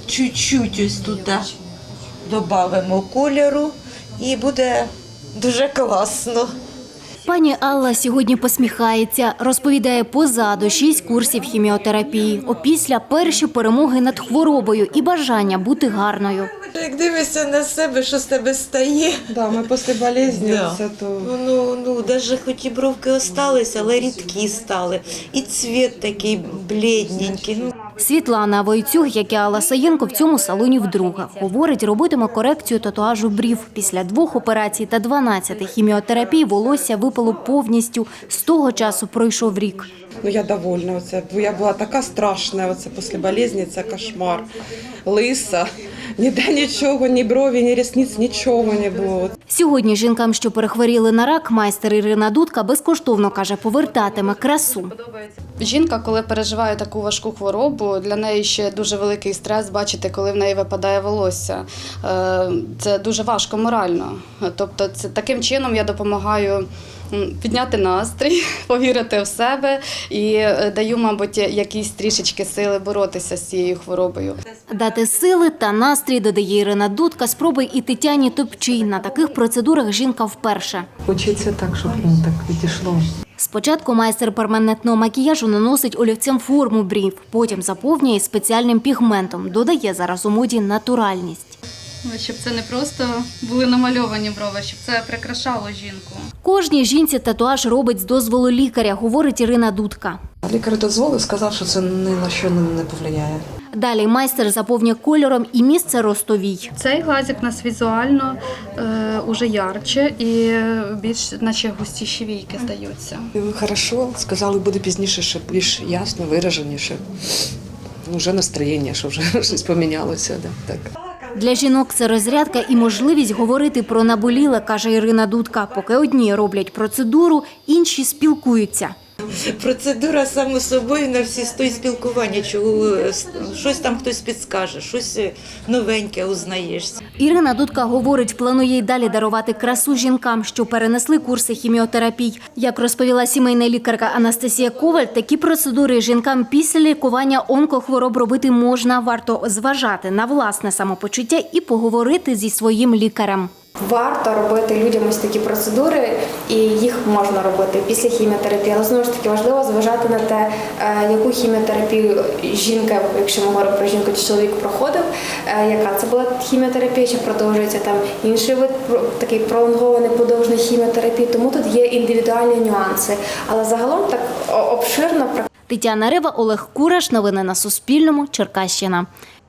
чуть-чуть ось туди додамо кольору і буде дуже класно. Пані Алла сьогодні посміхається. Розповідає, позаду 6 курсів хіміотерапії. Опісля перші перемоги над хворобою і бажання бути гарною. Як дивишся на себе, що з тебе стає. Да, ми після болезні, Да. це то... Навіть хоч і бровки осталися, але рідкі стали. І цвіт такий блідненький. Світлана Войцюг, як і Алла Саєнко, в цьому салоні вдруге. Говорить, робитиме корекцію татуажу брів. Після 2 операцій та 12 хіміотерапій волосся випало повністю. З того часу пройшов рік. Я довольна. Я була така страшна після болезні, це кошмар. Лиса, ніде нічого, ні брові, ні рісниць, нічого не було. Сьогодні жінкам, що перехворіли на рак, майстер Ірина Дудка безкоштовно, каже, повертатиме красу. Жінка, коли переживає таку важку хворобу, для неї ще дуже великий стрес бачити, коли в неї випадає волосся. Це дуже важко морально. Тобто таким чином я допомагаю підняти настрій, повірити в себе і даю, мабуть, якісь трішечки сили боротися з цією хворобою. Дати сили та настрій, додає Ірина Дудка, спробує і Тетяні Топчій. На таких процедурах жінка вперше. Хочеться так, щоб так відійшло. Спочатку майстер перманентного макіяжу наносить олівцем форму брів, потім заповнює спеціальним пігментом. Додає зараз у моді натуральність. Щоб це не просто були намальовані брови, щоб це прикрашало жінку. Кожній жінці татуаж робить з дозволу лікаря, говорить Ірина Дудка. Лікар дозволив, сказав, що це ні на що не повлияє. Далі майстер заповнює кольором і місце ростовій. Цей глазик у нас візуально уже ярче і більш наче густіші війки здаються. Хорошо, сказали, буде пізніше, щоб більш ясно, вираженіше. Вже настроєння, що вже щось помінялося. Так. Для жінок це розрядка і можливість говорити про наболіле, каже Ірина Дудка. Поки одні роблять процедуру, інші спілкуються. Процедура само собою на всі сто спілкування, щось там хтось підскаже, щось новеньке узнаєшся. Ірина Дудка говорить, планує й далі дарувати красу жінкам, що перенесли курси хіміотерапій. Як розповіла сімейна лікарка Анастасія Коваль, такі процедури жінкам після лікування онкохвороб робити можна. Варто зважати на власне самопочуття і поговорити зі своїм лікарем. Варто робити людям ось такі процедури, і їх можна робити після хіміотерапії. Але знову ж таки важливо зважати на те, яку хіміотерапію жінка, якщо ми говоримо про жінку чи чоловік, проходив, яка це була хіміотерапія, чи продовжується там інший вид, такий пролонгований подовжений хіміотерапії. Тому тут є індивідуальні нюанси. Але загалом так обширно. Тетяна Рева, Олег Кураш. Новини на Суспільному. Черкащина.